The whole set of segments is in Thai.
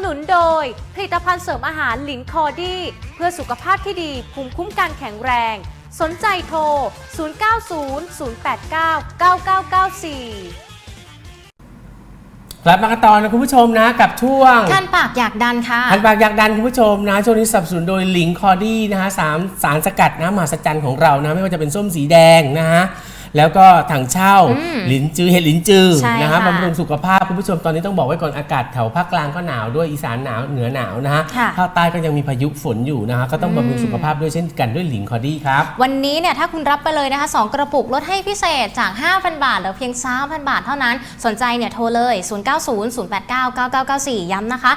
นุนโดยผลิตภัณฑ์เสริมอาหารหลินคอดี้เพื่อสุขภาพที่ดีภูมิคุ้มกันแข็งแรงสนใจโทร 0900899994 กลับมากันต่อนะคุณผู้ชมนะกับช่วงคันปากอยากดันค่ะคันปากอยากดันคุณผู้ชมนะช่วงนี้สนับสนุนโดยหลิงคอดี้นะฮะสารสกัดน้ำมหัศจรรย์ของเรานะไม่ว่าจะเป็นส้มสีแดงนะฮะแล้วก็ถังเช่าหลินจือเห็ดหลินจือนะฮะบำรุงสุขภาพคุณผู้ชมตอนนี้ต้องบอกไว้ก่อนอากาศแถวภาคกลางก็หนาวด้วยอีสานหนาวเหนือหนาวนะฮะภาคใต้ก็ยังมีพายุฝนอยู่นะฮะก็ต้องบำรุงสุขภาพด้วยเช่นกันด้วยหลิงคอดี้ครับวันนี้เนี่ยถ้าคุณรับไปเลยนะคะ2กระปุกลดให้พิเศษจาก 5,000 บาทเหลือเพียง 3,000 บาทเท่านั้นสนใจเนี่ยโทรเลย0900899994ย้ำนะคะ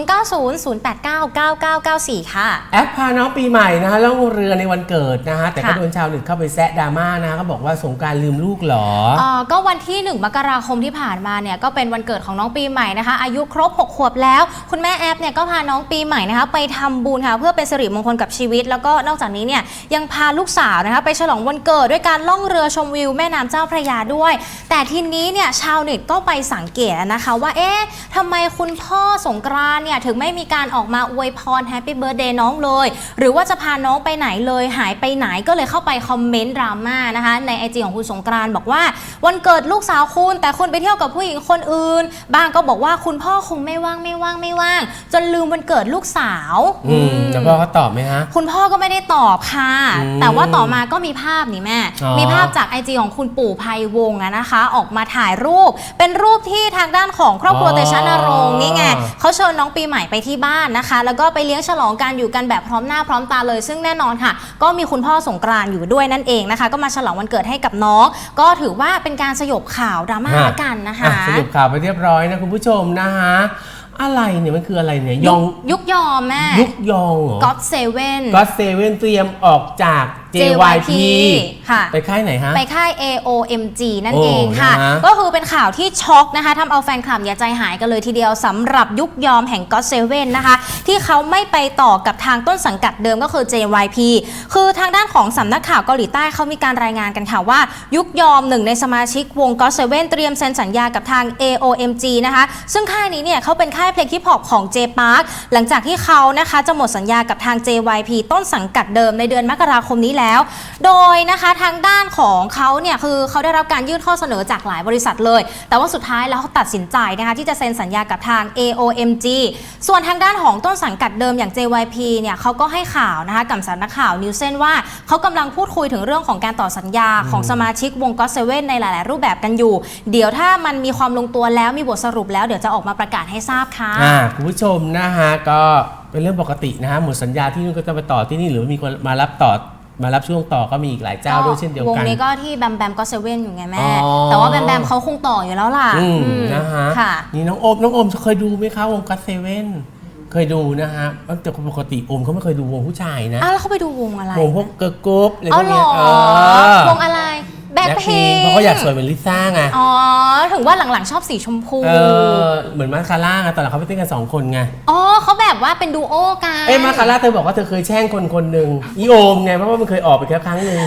0900899994ค่ะแอปพาน้องปีใหม่นะฮะล่องเรือในวันเกิดนะฮะแต่ก็โดนชาวเน็ตเข้าไปแซะดราม่านะเขาบอกว่าสงกรานต์ลืมลูกเหรอก็วันที่1มกราคมที่ผ่านมาเนี่ยก็เป็นวันเกิดของน้องปีใหม่นะคะอายุครบ6 ขวบแล้วคุณแม่แอปเนี่ยก็พาน้องปีใหม่นะคะไปทำบุญค่ะเพื่อเป็นสิริมงคลกับชีวิตแล้วก็นอกจากนี้เนี่ยยังพาลูกสาวนะคะไปฉลองวันเกิดด้วยการล่องเรือชมวิวแม่น้ำเจ้าพระยาด้วยแต่ทีนี้เนี่ยชาวเน็ตก็ไปสังเกตนะคะว่าเอ๊ะทำไมคุณพ่อสงกรานต์เนี่ยถึงไม่มีการออกมาอวยพรแฮปปี้เบิร์ธเดย์น้องเลยหรือว่าจะพาน้องไปไหนเลยหายไปไหนก็เลยเข้าไปคอมเมนต์ดราม่านะคะใน IG ของคุณสงกรานต์บอกว่าวันเกิดลูกสาวคุณแต่คุณไปเที่ยวกับผู้หญิงคนอื่นบางก็บอกว่าคุณพ่อคงไม่ว่างจนลืมวันเกิดลูกสาวแล้วพ่อเขาตอบไหมฮะคุณพ่อก็ไม่ได้ตอบค่ะแต่ว่าต่อมาก็มีภาพนี่แม่มีภาพจาก IG ของคุณปู่ไพวงศ์นะคะออกมาถ่ายรูปเป็นรูปที่ทางด้านของครอบครัวเตชะนรงค์นี่ไงเขาเชิญน้องปีใหม่ไปที่บ้านนะคะแล้วก็ไปเลี้ยงฉลองกันอยู่กันแบบพร้อมหน้าพร้อมตาเลยซึ่งแน่นอนค่ะก็มีคุณพ่อสงกรานต์อยู่ด้วยนั่นเองนะคะก็มาฉลองวันเกิดให้กับน้องก็ถือว่าเป็นการสยบข่าวดราม่ากันนะคะสรุปข่าวไปเรียบร้อยนะคุณผู้ชมนะคะอะไรเนี่ยมันคืออะไรเนี่ยยุกยอมแม่ยุกยองเหรอ God Seven เตรียมออกจาก JYP ค่ะไปค่ายไหนฮะไปค่าย AOMG นั่นเองค่ะก็คือเป็นข่าวที่ช็อกนะคะทำเอาแฟนคลับอย่าใจหายกันเลยทีเดียวสำหรับยุกยอมแห่ง God Seven นะคะที่เขาไม่ไปต่อกับทางต้นสังกัดเดิมก็คือ JYP คือทางด้านของสำนักข่าวเกาหลีใต้เขามีการรายงานกันค่ะว่ายุกยอมหนึ่งในสมาชิกวง God Seven เตรียมเซ็นสัญญากับทาง AOMG นะคะซึ่งค่ายนี้เนี่ยเขาเป็นค่ายเพลงฮิปฮอปของ J-Park หลังจากที่เขานะคะจะหมดสัญญากับทาง JYP ต้นสังกัดเดิมในเดือนมกราคมนี้แล้วโดยนะคะทางด้านของเขาเนี่ยคือเขาได้รับการยื่นข้อเสนอจากหลายบริษัทเลยแต่ว่าสุดท้ายแล้วเขาตัดสินใจนะคะที่จะเซ็นสัญญากับทาง AOMG ส่วนทางด้านของต้นสังกัดเดิมอย่าง JYP เนี่ยเขาก็ให้ข่าวนะคะกับสำนักข่าวนิวเซนว่าเขากำลังพูดคุยถึงเรื่องของการต่อสัญญาของสมาชิกวง God Seven ในหลายๆรูปแบบกันอยู่เดี๋ยวถ้ามันมีความลงตัวแล้วมีบทสรุปแล้วเดี๋ยวจะออกมาประกาศให้ทราบค่ะคุณผู้ชมนะฮะก็เป็นเรื่องปกตินะฮะหมดสัญญาที่นู่นก็จะไปต่อที่นี่หรือมีคนมารับช่วงต่อก็มีอีกหลายเจ้าด้วยเช่นเดียวกันวงนี้ก็ที่แบมก็เซเว่นอยู่ไงแม่แต่ว่าแบมเขาคงต่ออยู่แล้วล่ะนะฮะนี่น้องโอมเคยดูไหมคะวงก็เซเว่นเคยดูนะฮะแต่ปกติโอมเขาไม่เคยดูวงผู้ชายนะแล้วเขาไปดูวงอะไรวงพวกเกิร์ลกรุ๊ปอะไรพวกนี้วงอะไรแบ็คพิงค์เพราะเขาอยากสวยเหมือนลิซ่าไงถึงว่าหลังๆชอบสีชมพูเหมือนมาคาร่าไงตอนหลังเขาไปเต้นกัน2 คนไงเขาแบบว่าเป็นดูโอกันมาคาร่าเธอบอกว่าเธอเคยแช่งคนหนึ่งอีโอมไงเพราะว่ามันเคยออกไปแค่ครั้งนึง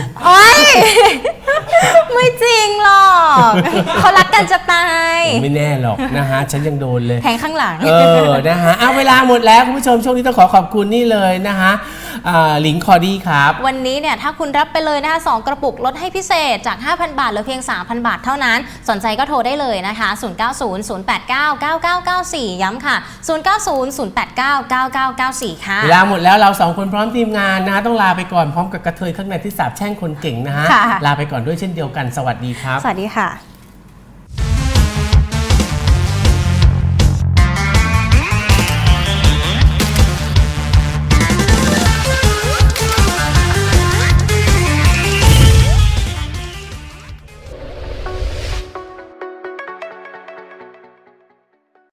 ไม่จริงหรอกเขารักกันจะตายไม่แน่หรอกนะฮะฉันยังโดนเลยแทงข้างหลังนะฮะเวลาหมดแล้วคุณผู้ชมช่วงนี้ต้องขอบคุณนี่เลยนะฮะหลิงคอดี้ครับวันนี้เนี่ยถ้าคุณรับไปเลยนะคะ2กระปุกลดให้พิเศษจาก 5,000 บาทเหลือเพียง 3,000 บาทเท่านั้นสนใจก็โทรได้เลยนะคะ0900899994ย้ำค่ะ0900899994ค่ะเวลาหมดแล้วเรา2คนพร้อมทีมงานนะต้องลาไปก่อนพร้อมกับกระเทยข้างในที่สาบแช่งคนเก่งนะฮะลาไปก่อนด้วยเช่นเดียวกันสวัสดีครับสวัสดีค่ะ